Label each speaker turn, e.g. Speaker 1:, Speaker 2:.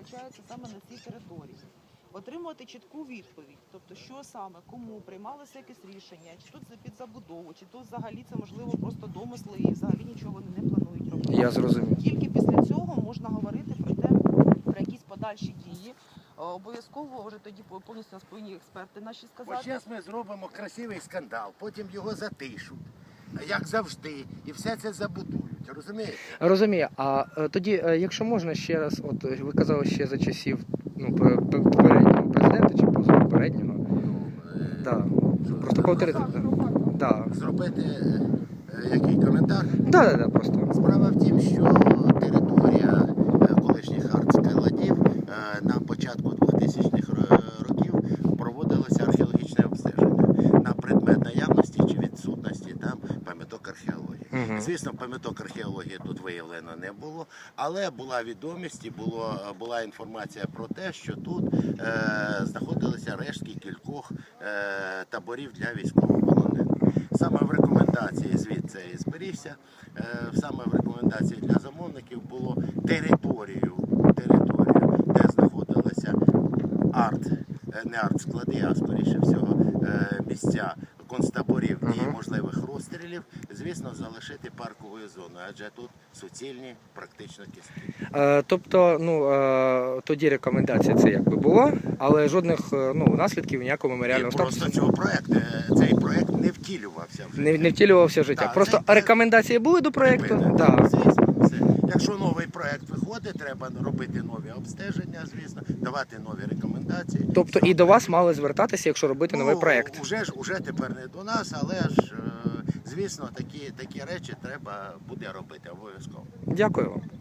Speaker 1: розміщаються саме на цій території. Отримувати чітку відповідь, тобто що саме, кому приймалося якесь рішення, чи тут під забудову, чи тут взагалі це можливо просто домисли і взагалі нічого не планують робити.
Speaker 2: Я зрозумів.
Speaker 1: Тільки після цього можна говорити про те, про якісь подальші дії. Обов'язково вже тоді повністю нас повинні експерти наші сказати.
Speaker 3: Ось зараз ми зробимо красивий скандал, потім його затишуть, як завжди, і все це забудують. Розумієте?
Speaker 2: Розумію. А тоді, якщо можна ще раз, от ви казали ще за часів попереднього президента чи позапереднього. Да. Просто повторити. Да.
Speaker 3: Зробити який коментар?
Speaker 2: Да, просто.
Speaker 3: Справа в тім, що територія колишніх артскладів на початку 2000-х років проводилося археологічне обстеження на предмет наявності чи відсутності там пам'яток археології. Звісно, пам'яток археології тут виявлено не було, але була відомість і була інформація про те, що тут знаходилися рештки кількох таборів для військовополонених. Саме в рекомендації звідси і зберігся, саме в рекомендації для замовників було територію, де знаходилися не арт-склади, а скоріше всього місця концтаборів і можливих розстрілів, звісно, залишити парковою зоною, адже тут суцільні практично кістки.
Speaker 2: Тобто, тоді рекомендація це якби була, але жодних наслідків ніякого меморіального статусу.
Speaker 3: Просто цей проект не втілювався вже.
Speaker 2: Не втілювався в життя.
Speaker 3: Так,
Speaker 2: Просто рекомендації були до проєкту? Так.
Speaker 3: Звісно, все. Якщо новий проект виходить, треба робити нові обстеження, звісно, давати нові рекомендації.
Speaker 2: Тобто і до вас мали звертатися, якщо робити новий проєкт?
Speaker 3: Уже тепер не до нас, але ж, звісно, такі речі треба буде робити обов'язково.
Speaker 2: Дякую вам.